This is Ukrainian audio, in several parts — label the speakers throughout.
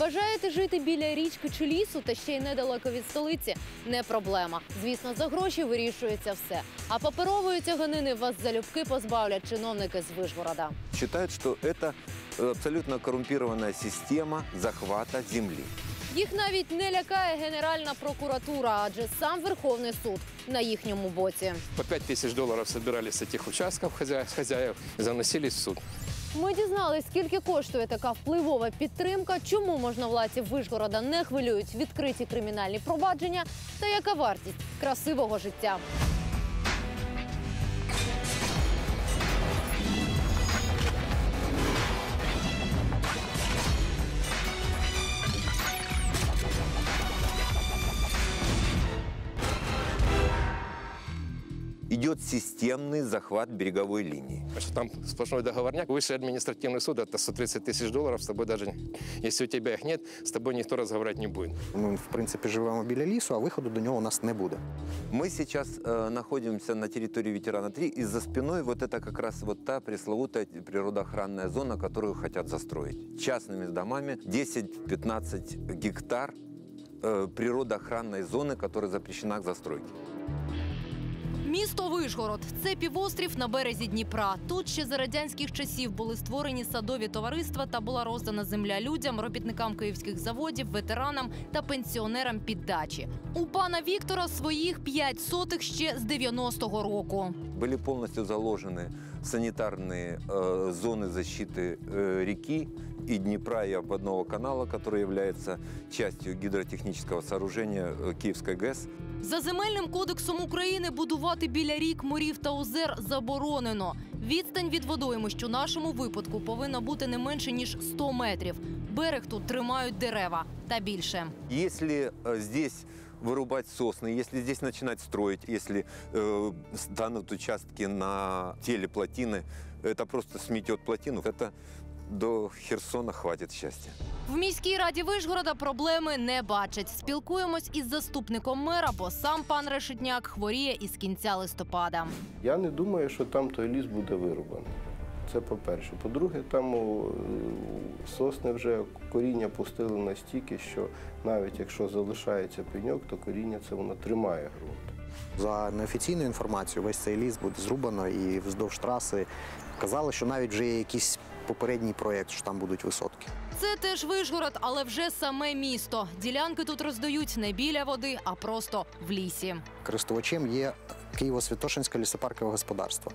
Speaker 1: Бажаєте жити біля річки чи лісу та ще й недалеко від столиці? Не проблема. Звісно, за гроші вирішується все. А паперової тяганини вас залюбки позбавлять чиновники з Вишгорода.
Speaker 2: Считают, что это абсолютно коррумпированная система захвата земли.
Speaker 1: Їх навіть не лякає Генеральна прокуратура, адже сам Верховний суд на їхньому боці.
Speaker 3: По 5000 долларов собирали с этих участков хозяев и заносили в суд.
Speaker 1: Ми дізналися, скільки коштує така впливова підтримка, чому можновладців Вишгорода не хвилюють відкриті кримінальні провадження та яка вартість красивого життя.
Speaker 2: Идет системный захват береговой линии.
Speaker 3: Там сплошной договорняк. Высший административный суд – это 130 тысяч долларов. С тобой даже, если у тебя их нет, с тобой никто разговаривать не будет.
Speaker 4: Ми, в принципі, живемо біля лісу, а виходу до нього у нас не буде.
Speaker 2: Мы сейчас находимся на территории ветерана 3, и за спиной вот это как раз вот та пресловутая природоохранная зона, которую хотят застроить. Частными домами 10-15 гектар природоохранной зоны, которая запрещена к застройке.
Speaker 1: Місто Вишгород – це півострів на березі Дніпра. Тут ще за радянських часів були створені садові товариства та була роздана земля людям, робітникам київських заводів, ветеранам та пенсіонерам під дачі. У пана Віктора своїх 5 сотих ще з 90-го року.
Speaker 2: Были полностью заложены санитарные зоны защиты реки и Днепра, и обводного канала, который является частью гидротехнического сооружения Киевской ГЭС.
Speaker 1: За Земельним кодексом України будувати біля рік, морів та озер заборонено. Відстань від водоймищ у нашому випадку повинна бути не менше, ніж 100 метрів. Берег тут тримають дерева та більше.
Speaker 2: Если здесь вырубать сосны, если здесь начинать строить, если станут участки на теле плотины, это просто сметет плотину. Это до Херсона хватит счастья.
Speaker 1: В міській раді Вишгорода проблеми не бачать. Спілкуємось із заступником мера, бо сам пан Решетняк хворіє із кінця листопада.
Speaker 5: Я не думаю, що там той ліс буде вирубаний. Це по-перше. По-друге, там сосни вже коріння пустили настільки, що навіть якщо залишається пеньок, то коріння це воно тримає ґрунт.
Speaker 4: За неофіційною інформацією, весь цей ліс буде зрубано і вздовж траси казали, що навіть вже є якийсь попередній проєкт, що там будуть висотки.
Speaker 1: Це теж Вишгород, але вже саме місто. Ділянки тут роздають не біля води, а просто в лісі.
Speaker 4: Користувачем є Києво-Святошинське лісопаркове господарство.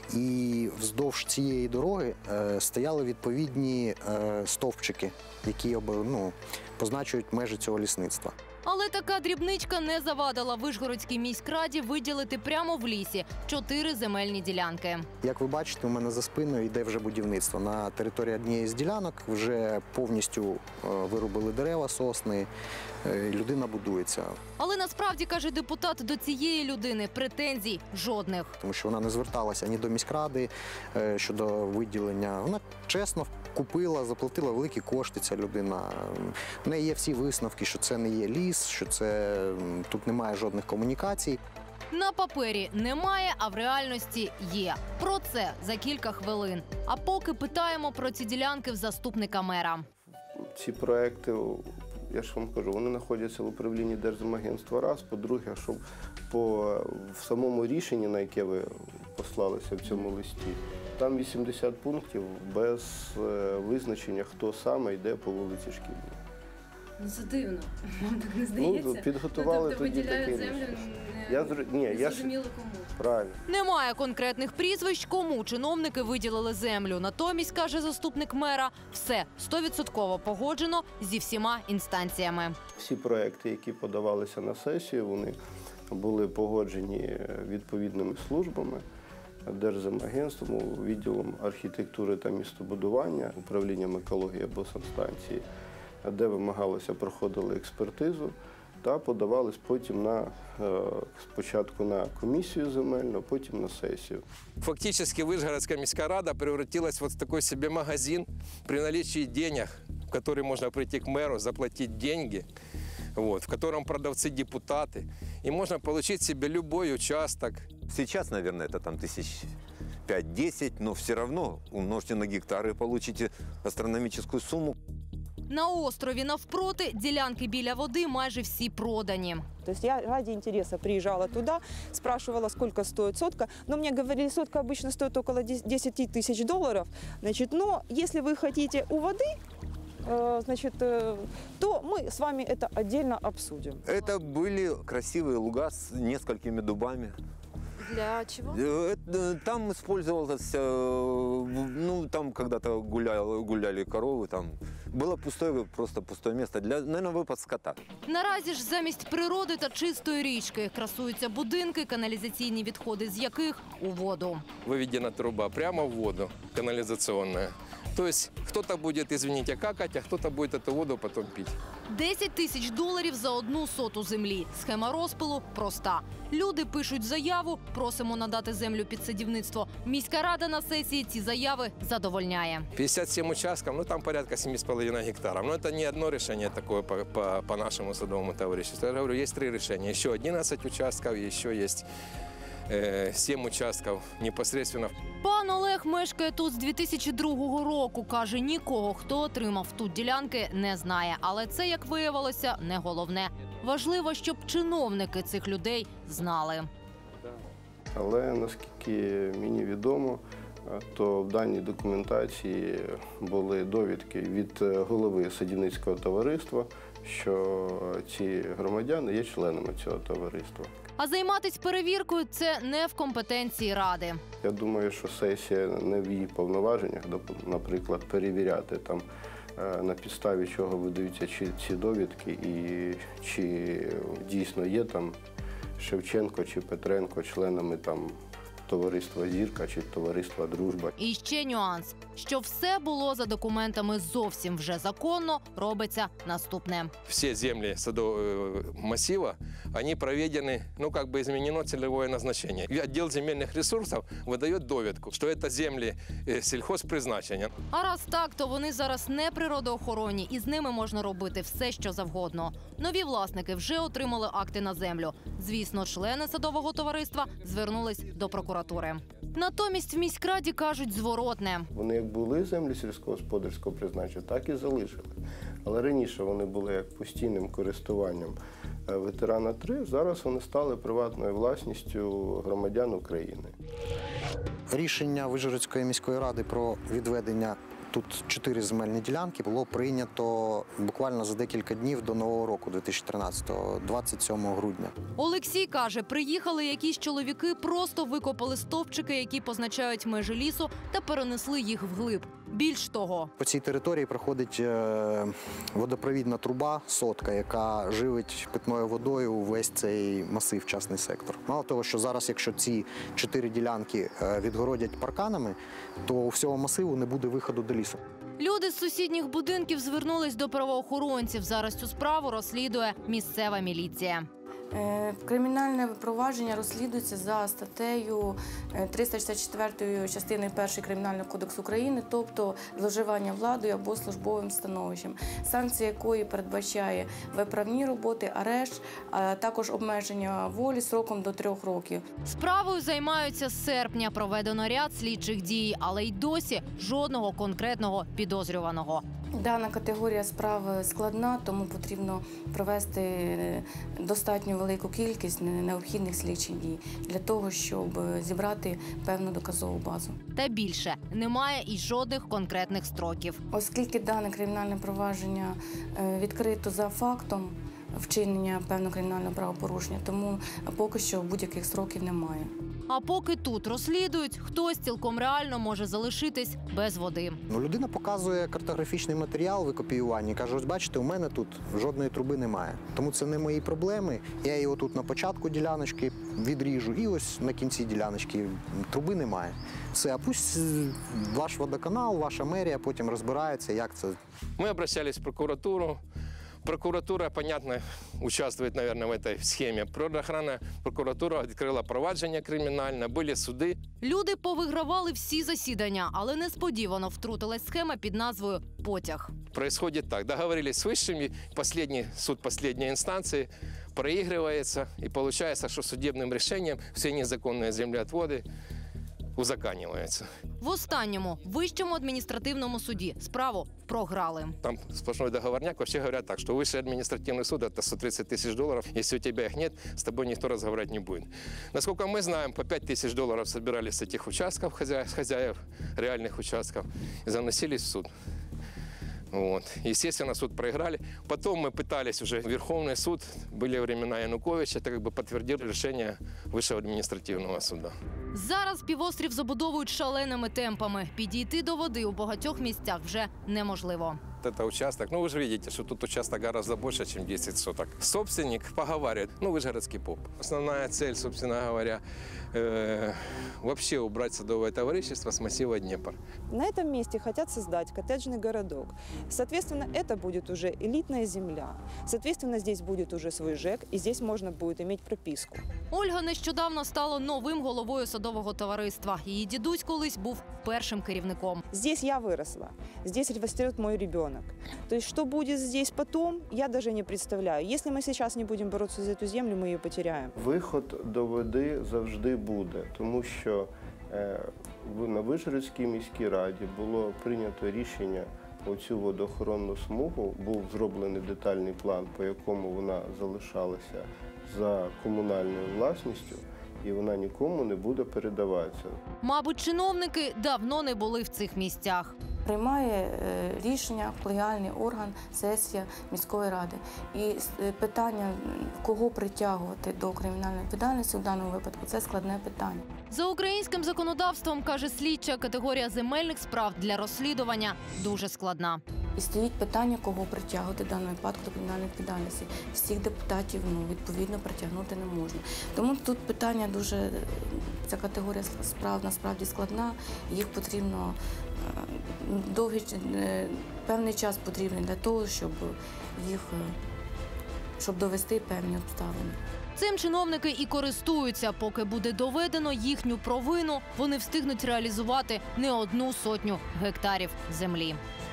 Speaker 4: І вздовж цієї дороги стояли відповідні стовпчики, які позначують межі цього лісництва.
Speaker 1: Але така дрібничка не завадила Вишгородській міськраді виділити прямо в лісі 4 земельні ділянки.
Speaker 4: Як ви бачите, у мене за спиною йде вже будівництво. На території однієї з ділянок вже повністю вирубили дерева, сосни, людина будується.
Speaker 1: Але насправді, каже депутат, до цієї людини претензій жодних.
Speaker 4: Тому що вона не зверталася ні до міськради щодо виділення. Вона чесно купила, заплатила великі кошти, ця людина. В неї є всі висновки, що це не є ліс, що тут немає жодних комунікацій.
Speaker 1: На папері немає, а в реальності є. Про це за кілька хвилин. А поки питаємо про ці ділянки в заступника мера.
Speaker 5: Ці проекти, я ж вам кажу, вони знаходяться в управлінні Держземагентства раз. По-друге, щоб в самому рішенні, на яке ви послалися в цьому листі, там 80 пунктів без визначення, хто саме йде по вулиці Шкільній.
Speaker 1: Ну це дивно, вам так не здається?
Speaker 5: Підготували тоді таке рішення. Зрозуміло кому. Правильно.
Speaker 1: Немає конкретних прізвищ, кому чиновники виділили землю. Натомість, каже заступник мера, все 100% погоджено зі всіма інстанціями.
Speaker 5: Всі проекти, які подавалися на сесію, вони були погоджені відповідними службами, Держземагентством, відділом архітектури та містобудування, управлінням екології або санстанції, де вимагалося, проходили експертизу та подавались потім спочатку на комісію земельну, потім на сесію.
Speaker 3: Фактически Вышгородская міська рада превратилась в такой себе магазин при наличии денег, в который можно прийти к мэру, заплатить деньги, в котором продавцы депутаты, и можно получить себе любой участок.
Speaker 2: Сейчас, наверное, это там 5-10, но все равно умножьте на гектары и получите астрономическую сумму.
Speaker 1: На острові навпроти ділянки біля води майже всі продані.
Speaker 6: То есть я ради интереса приезжала туда, спрашивала, сколько стоит сотка. Но мне говорили, сотка обычно стоит около 10 тысяч долларов. Значит, но если вы хотите у воды, значит, то мы с вами это отдельно обсудим.
Speaker 2: Это были красивые луга с несколькими дубами.
Speaker 1: Для чого?
Speaker 2: Там использовалось, ну, там когда-то гуляли коровы, там было просто пустое место, наверное, выпад скота.
Speaker 1: Наразі ж замість природи та чистої річки красуються будинки, каналізаційні відходи з яких у воду.
Speaker 3: Выведена труба прямо в воду, канализационная. То есть кто-то будет, извините, какать, а кто-то будет эту воду потом пить.
Speaker 1: 10 тисяч доларів за 1 соту землі. Схема розпилу проста. Люди пишуть заяву, просимо надати землю під садівництво. Міська рада на сесії ці заяви задовольняє.
Speaker 3: 57 участков, ну там порядка 7,5 гектаров. Но это не одно решение такое по нашему садовому товариществу. Я говорю, есть 3 решения. Еще 11 участков, еще есть 7 участков непосредственно.
Speaker 1: Пан Олег мешкає тут з 2002 року. Каже, нікого, хто отримав тут ділянки, не знає. Але це, як виявилося, не головне. Важливо, щоб чиновники цих людей знали.
Speaker 5: Але наскільки мені відомо, то в даній документації були довідки від голови садівницького товариства, що ці громадяни є членами цього товариства.
Speaker 1: А займатись перевіркою – це не в компетенції ради.
Speaker 5: Я думаю, що сесія не в її повноваженнях, наприклад, перевіряти там, на підставі чого видаються ці довідки і чи дійсно є там Шевченко чи Петренко членами там товариства «Зірка» чи товариства «Дружба».
Speaker 1: І ще нюанс, що все було за документами зовсім вже законно, робиться наступне.
Speaker 3: Все земли садового массива, они проведены, ну как бы изменено целевое назначение. И отдел земельных ресурсов выдает довідку, что это земли сельхозпризначення.
Speaker 1: А раз так, то вони зараз не природоохоронні, і з ними можна робити все, що завгодно. Нові власники вже отримали акти на землю. Звісно, члени садового товариства звернулись до прокуратури. Натомість в міськраді кажуть зворотне.
Speaker 5: Вони як були землі сільськогосподарського призначення, так і залишили. Але раніше вони були як постійним користуванням ветерана 3, зараз вони стали приватною власністю громадян України.
Speaker 4: Рішення Вишгородської міської ради про відведення тут 4 земельні ділянки було прийнято буквально за декілька днів до Нового року 2013-го, 27 грудня.
Speaker 1: Олексій каже, приїхали якісь чоловіки, просто викопали стовпчики, які позначають межі лісу, та перенесли їх вглиб. Більш того,
Speaker 4: по цій території проходить водопровідна труба, сотка, яка живить питною водою весь цей масив, частний сектор. Мало того, що зараз, якщо ці 4 ділянки відгородять парканами, то у всього масиву не буде виходу до лісу.
Speaker 1: люди з сусідніх будинків звернулись до правоохоронців. Зараз цю справу розслідує місцева міліція.
Speaker 7: Кримінальне провадження розслідується за статтею 364 частиною 1 Кримінального кодексу України, тобто зловживання владою або службовим становищем, санкція якої передбачає виправні роботи, арешт, а також обмеження волі строком до 3 років.
Speaker 1: Справою займаються з серпня. Проведено ряд слідчих дій, але й досі жодного конкретного підозрюваного.
Speaker 7: Дана категорія справ складна, тому потрібно провести достатньо велику кількість необхідних слідчих дій для того, щоб зібрати певну доказову базу.
Speaker 1: Та більше, немає і жодних конкретних строків.
Speaker 7: Оскільки дане кримінальне провадження відкрито за фактом вчинення певного кримінального правопорушення, тому поки що будь-яких строків немає.
Speaker 1: А поки тут розслідують, хтось цілком реально може залишитись без води.
Speaker 4: Людина показує картографічний матеріал викопіювання і каже, ось бачите, у мене тут жодної труби немає. Тому це не мої проблеми. Я його тут на початку діляночки відріжу і ось на кінці діляночки труби немає. Все, а пусть ваш водоканал, ваша мерія потім розбирається, як це.
Speaker 3: Мы обращались в прокуратуру. Прокуратура, понятно, участвует, наверное, в этой схеме. Природоохранная прокуратура открыла провадження кримінальне, були суди.
Speaker 1: Люди повигравали всі засідання, але несподівано втрутилась схема під назвою «Потяг».
Speaker 3: Происходит так. Договорились с высшими, последний суд последней инстанции проигрывается, и получается, что судебным решением все незаконные землеотводы узаканивается.
Speaker 1: В останньому Вищому адміністративному суді справу програли.
Speaker 3: Там сплошной договорняк. Вообще говорят так, что высший административный суд – это 130 тысяч долларов. Если у тебя их нет, с тобой никто разговаривать не будет. Насколько мы знаем, по 5 тысяч долларов собирали с этих участков, хозяев реальных участков, и заносились в суд. Вот. Естественно, суд проиграли. Потом мы пытались уже в Верховный суд. Были времена Януковича, это как бы подтвердили решение Высшего административного суда.
Speaker 1: Зараз півострів забудовують шаленими темпами. Підійти до води у багатьох місцях вже неможливо.
Speaker 3: Это участок, ну вы же видите, что тут участок гораздо больше, чем 10 соток. Собственник поговаривает, ну Вышгородский поп. Основная цель, собственно говоря, вообще убрать садовое товарищество с массива Днепр.
Speaker 6: На этом месте хотят создать коттеджный городок. Соответственно, это будет уже элитная земля. Соответственно, здесь будет уже свой ЖЭК, и здесь можно будет иметь прописку.
Speaker 1: Ольга нещодавно стала новим головою садового товариства. Її дідусь колись був першим керівником.
Speaker 6: Здесь я выросла, здесь растет мой ребенок. То есть, что будет здесь потом, я даже не представляю. Если мы сейчас не будем бороться за эту землю, мы ее потеряем.
Speaker 5: Виход до води завжди буде, тому що на Вишгородській міській раді було прийнято рішення оцю водоохоронну смугу, був зроблений детальний план, по якому вона залишалася за комунальною власністю, і вона нікому не буде передаватися.
Speaker 1: Мабуть, чиновники давно не були в цих місцях.
Speaker 7: Приймає рішення колегіальний орган, сесія міської ради. І питання, кого притягувати до кримінальної відповідальності в даному випадку, це складне питання.
Speaker 1: За українським законодавством, каже слідча, категорія земельних справ для розслідування дуже складна.
Speaker 7: І стоїть питання, кого притягувати в даному випадку до кримінальної відповідальності. Всіх депутатів відповідно притягнути не можна. Тому тут питання дуже, ця категорія справ насправді складна, їх потрібно певний час потрібний для того, щоб довести певні обставини.
Speaker 1: Цим чиновники і користуються. Поки буде доведено їхню провину, вони встигнуть реалізувати не 1 сотню гектарів землі.